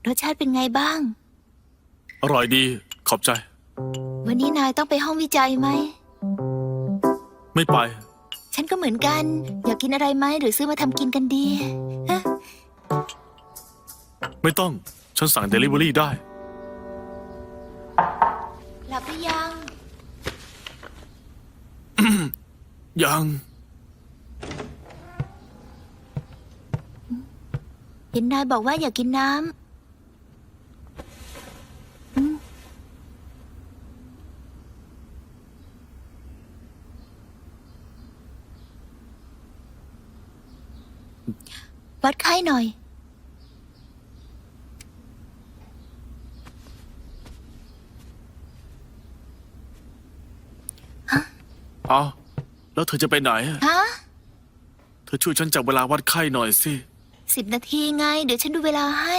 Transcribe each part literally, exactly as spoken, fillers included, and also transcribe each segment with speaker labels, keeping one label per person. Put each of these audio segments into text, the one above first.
Speaker 1: รสชาติเป็นไงบ้าง
Speaker 2: อร่อยดีขอบใจ
Speaker 1: วันนี้นายต้องไปห้องวิจัยไหม
Speaker 2: ไม่ไป
Speaker 1: ฉันก็เหมือนกันอยากกินอะไรไหมหรือซื้อมาทำกินกันดีฮะ
Speaker 2: ไม่ต้องฉันสั่งเดลิเวอรี่ได้
Speaker 1: หลับหรือยัง
Speaker 2: ยัง
Speaker 1: เห็นนายบอกว่าอยากกินน้ำวัดไข้หน่อย
Speaker 2: อ๋อแล้วเธอจะไปไหนอะ
Speaker 1: ฮะ
Speaker 2: เธอช่วยฉันจับเวลาวัดไข้หน่อยสิ
Speaker 1: สิบนาทีไง เดี๋ยวฉันดูเวลาให้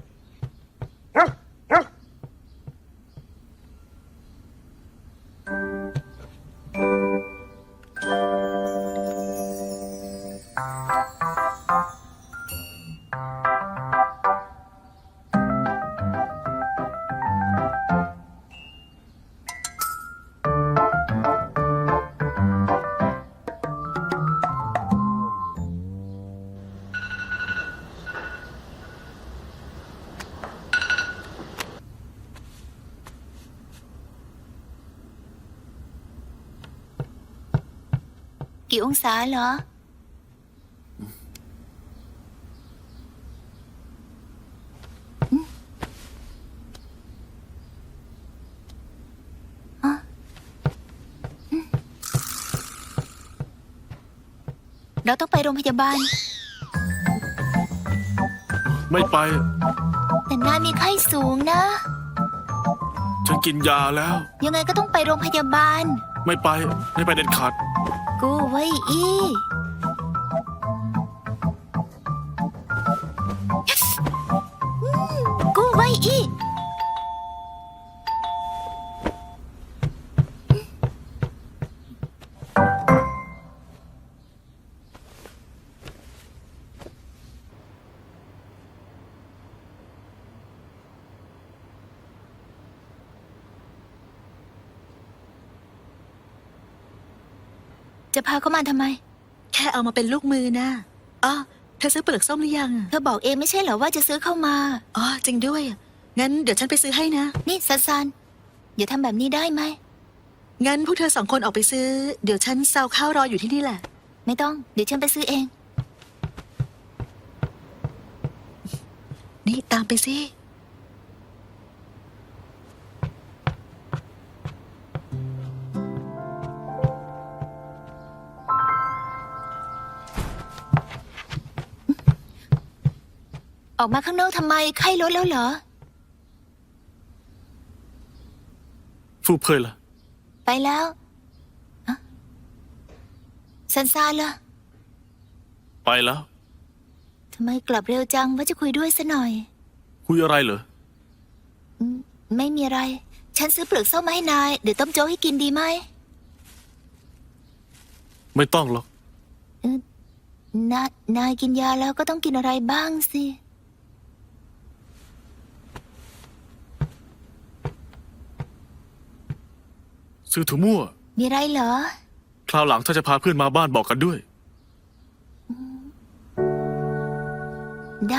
Speaker 1: กี่องศาเหรอเราต้องไปโรงพยาบาล
Speaker 2: ไม่ไป
Speaker 1: แต่นายมีไข้สูงนะ
Speaker 2: ฉันกินยาแล้ว
Speaker 1: ยังไงก็ต้องไปโรงพยาบาล
Speaker 2: ไม่ไปไม่ไปเด็ดขาด
Speaker 1: กูไว้อีกูไว้อีจะพาเขามาทำไม
Speaker 3: แค่เอามาเป็นลูกมือนะอ๋อเธอซื้อเปลือกส้มหรือยังอะ
Speaker 1: เธอบอกเองไม่ใช่เหรอว่าจะซื้อเข้ามา
Speaker 3: อ๋อจริงด้วยอะงั้นเดี๋ยวฉันไปซื้อให้นะ
Speaker 1: นี่ซันซันอย่าทำแบบนี้ได้ไหม
Speaker 3: งั้นพวกเธอสองคนออกไปซื้อ เดี๋ยวฉันซาวข้าวรออยู่ที่นี่แหละ
Speaker 1: ไม่ต้อง เดี๋ยวฉันไปซื้อเอง
Speaker 3: นี่ตามไปสิ
Speaker 1: ออกมาข้างนอกทำไมไข้ลดแล้วเหรอ
Speaker 2: ฟูเพยล่ะ
Speaker 1: ไปแล้วอะซันซานล่ะ
Speaker 2: ไปแล้ว
Speaker 1: ทำไมกลับเร็วจังว่าจะคุยด้วยซะหน่อย
Speaker 2: คุยอะไรเหรอ
Speaker 1: อืมไม่มีอะไร ฉันซื้อเปลือกส้มมาให้นาย เดี๋ยวต้มโจ๊กให้กินดีไหม
Speaker 2: ไม่ต้องหรอก
Speaker 1: เออนายนายกินยาแล้วก็ต้องกินอะไรบ้างสิ
Speaker 2: ซื้อถั่วมั่ว
Speaker 1: มีอะไรเหรอ
Speaker 2: คราวหลังถ้าจะพาเพื่อนมาบ้านบอกกันด้วย
Speaker 1: ได้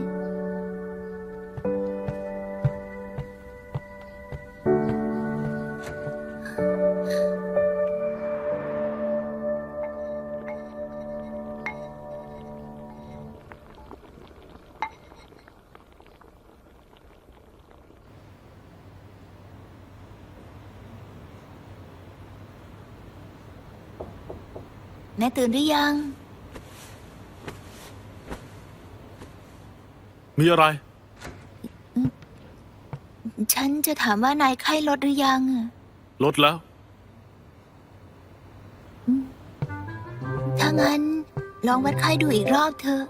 Speaker 1: แม่ตื่นหรือยัง
Speaker 2: มีอะไร
Speaker 1: ฉันจะถามว่านายไข้ลดหรือยังอะ
Speaker 2: ลดแล้ว
Speaker 1: ถ้างั้น ลองวัดไข้ดูอีกรอบเถอะ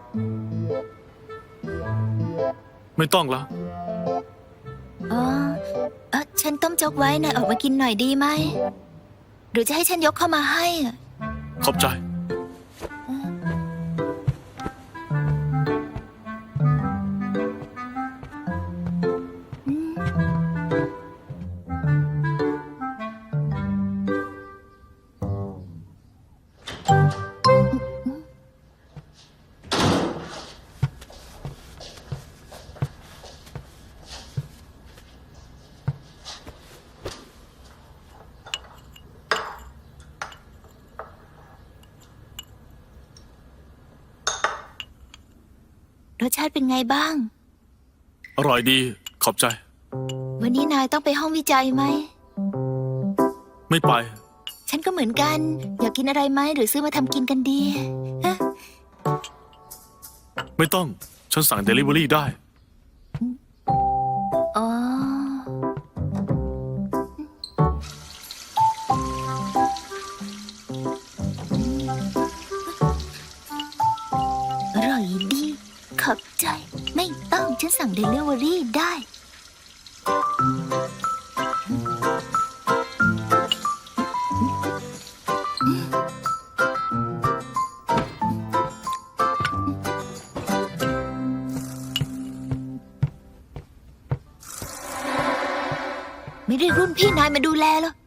Speaker 2: ไม่ต้องแล้ว
Speaker 1: อ๋อเออฉันต้มโจ๊กไว้นายออกมากินหน่อยดีไหม หรือจะให้ฉันยกเข้ามาให้อะ
Speaker 2: ขอบใจ
Speaker 1: เป็นไงบ้าง
Speaker 2: อร่อยดี ขอบใจ
Speaker 1: วันนี้นายต้องไปห้องวิจัยไหม
Speaker 2: ไม่ไป
Speaker 1: ฉันก็เหมือนกัน อยากกินอะไรไหมหรือซื้อมาทำกินกันดีฮะ
Speaker 2: ไม่ต้อง ฉันสั่งเดลิเวอรี่ได้
Speaker 1: อ๋อ อร่อยดี ขอบใจ ไม่ต้องฉันสั่งเดลิเวอรี่ได้ ไม่ได้รุ่นพี่นายมาดูแลเหรอ